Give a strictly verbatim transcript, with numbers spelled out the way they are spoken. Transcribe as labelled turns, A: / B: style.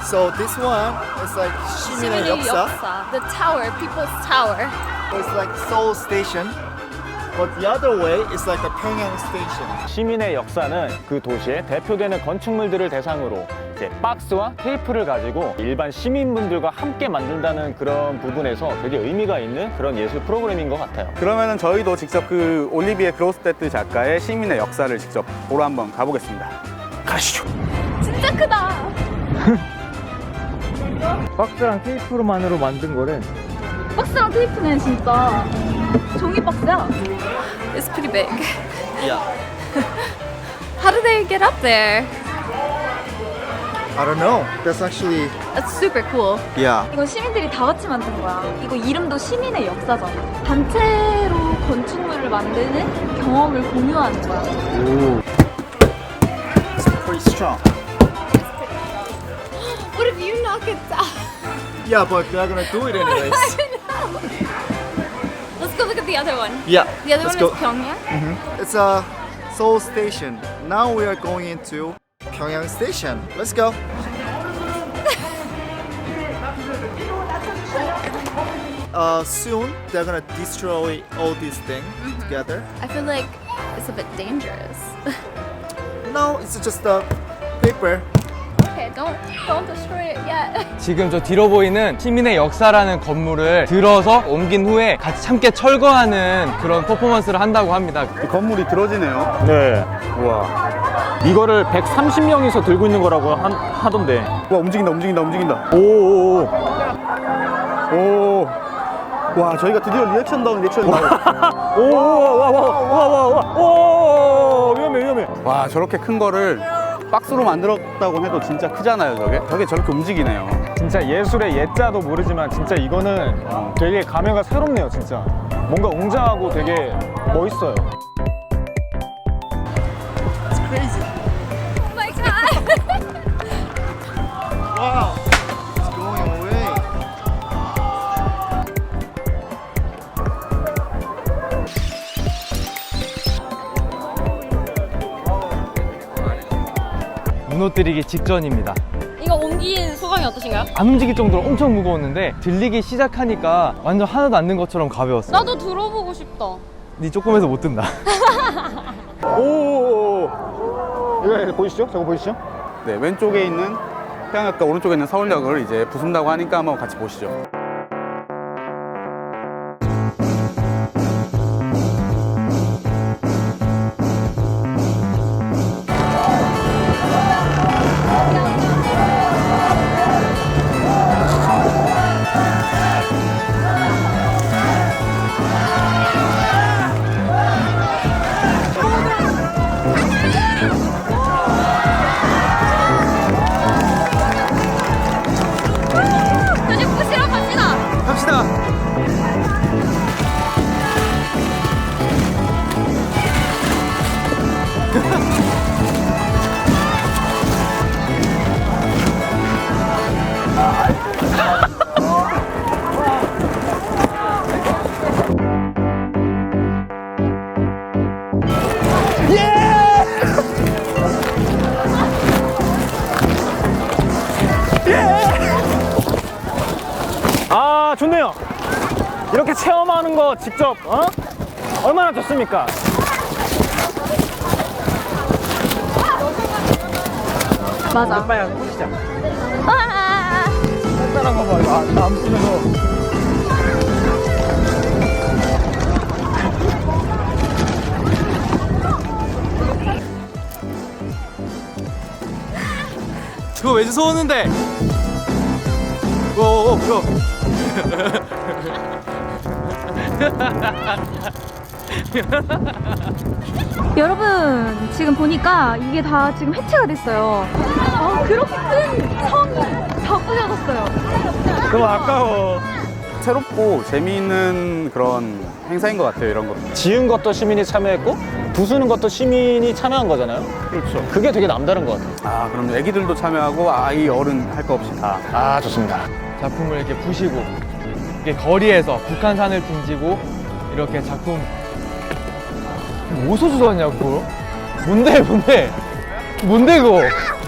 A: So this one is like 시민의 역사.
B: The tower, people's tower.
A: It's like Seoul Station. But the other way is like a 평양 Station.
C: 시민의 역사는 그 도시의 대표되는 건축물들을 대상으로 이제 박스와 테이프를 가지고 일반 시민분들과 함께 만든다는 그런 부분에서 되게 의미가 있는 그런 예술 프로그램인 것 같아요.
D: 그러면은 저희도 직접 그 올리비에 그로스테트 작가의 시민의 역사를 직접 보러 한번 가보겠습니다.
C: 가시죠.
B: 진짜 크다.
C: 박스랑 테이프로만으로 만든 거를
B: 박스랑 테이프는 진짜 종이 박스야. It's pretty big.
A: Yeah.
B: How do they get up there?
A: I don't know. That's actually
B: That's super cool.
A: yeah.
B: 이건 시민들이 다 같이 만든 거야. 이거 이름도 시민의 역사잖아. 단체로 건축물을 만드는 경험을 공유하는 거야.
A: It's pretty strong.
B: What if you knock it down?
A: Yeah, but they're gonna do it anyways.
B: Let's go look at the other one.
A: Yeah.
B: The other
A: let's
B: one
A: go.
B: is Pyongyang.
A: It's a Seoul Station. Now we are going into Pyongyang Station. Let's go. Uh, soon they're gonna destroy all these things together.
B: I feel like it's a bit dangerous.
A: No, it's just a paper.
B: Okay, don't don't destroy it yet.
E: 지금 저 뒤로 보이는 시민의 역사라는 건물을 들어서 옮긴 후에 같이 함께 철거하는 그런 퍼포먼스를 한다고 합니다.
D: 이 건물이 들어지네요.
C: 네.
D: 우와.
C: 이거를 백삼십 명이서 들고 있는 거라고 한, 하던데.
D: 와, 움직인다, 움직인다, 움직인다.
C: 오오오.
D: 오. 와, 저희가 드디어 리액션 다운 리액션이 나와.
C: 오와와와와와와 위험해 위험해.
D: 와, 저렇게 큰 거를 박스로 만들었다고 해도 진짜 크잖아요, 저게. 저게 저렇게 움직이네요.
C: 진짜 예술의 예자도 모르지만 진짜 이거는 되게 감회가 새롭네요 진짜. 뭔가 웅장하고 되게 멋있어요.
A: It's crazy.
B: Oh my god.
A: Wow. It's going away.
E: 무너뜨리기 직전입니다.
B: 이거 옮긴 소감이 어떠신가요?
E: 안 움직일 정도로 엄청 무거웠는데 들리기 시작하니까 완전 하나도 안 든 것처럼 가벼웠어요.
B: 나도 들어보고 싶다.
E: 니 조금해서 못 든다.
C: 오오오. 이거 보이시죠? 저거 보이시죠?
D: 네, 왼쪽에 있는 평양역과 오른쪽에 있는 서울역을 이제 부순다고 하니까 한번 같이 보시죠.
B: 이제 부시러 갑시다.
D: 갑시다.
C: 아 좋네요. 이렇게 체험하는 거 직접 어? 얼마나 좋습니까?
B: 맞아.
C: 빨리 보시자.
B: 아,
C: 따라한 거 봐. 이거 안, 안 뿌려서.
E: 그거 왜 주워오는데? 오오오 그거.
B: 여러분 지금 보니까 이게 다 지금 해체가 됐어요. 아, 그렇게 큰 성이 다 부셔졌어요.
C: 너무 아까워.
D: 새롭고 재미있는 그런 행사인 것 같아요, 이런 거.
C: 지은 것도 시민이 참여했고 부수는 것도 시민이 참여한 거잖아요.
D: 그렇죠.
C: 그게 되게 남다른 것 같아요.
D: 아, 그럼 애기들도 참여하고 아이 어른 할 거 없이 다.
C: 아 좋습니다.
E: 작품을 이렇게 부시고 이렇게 거리에서 북한산을 등지고 이렇게 작품 어디서 주워왔냐고. 뭔데 뭔데 뭔데 그거.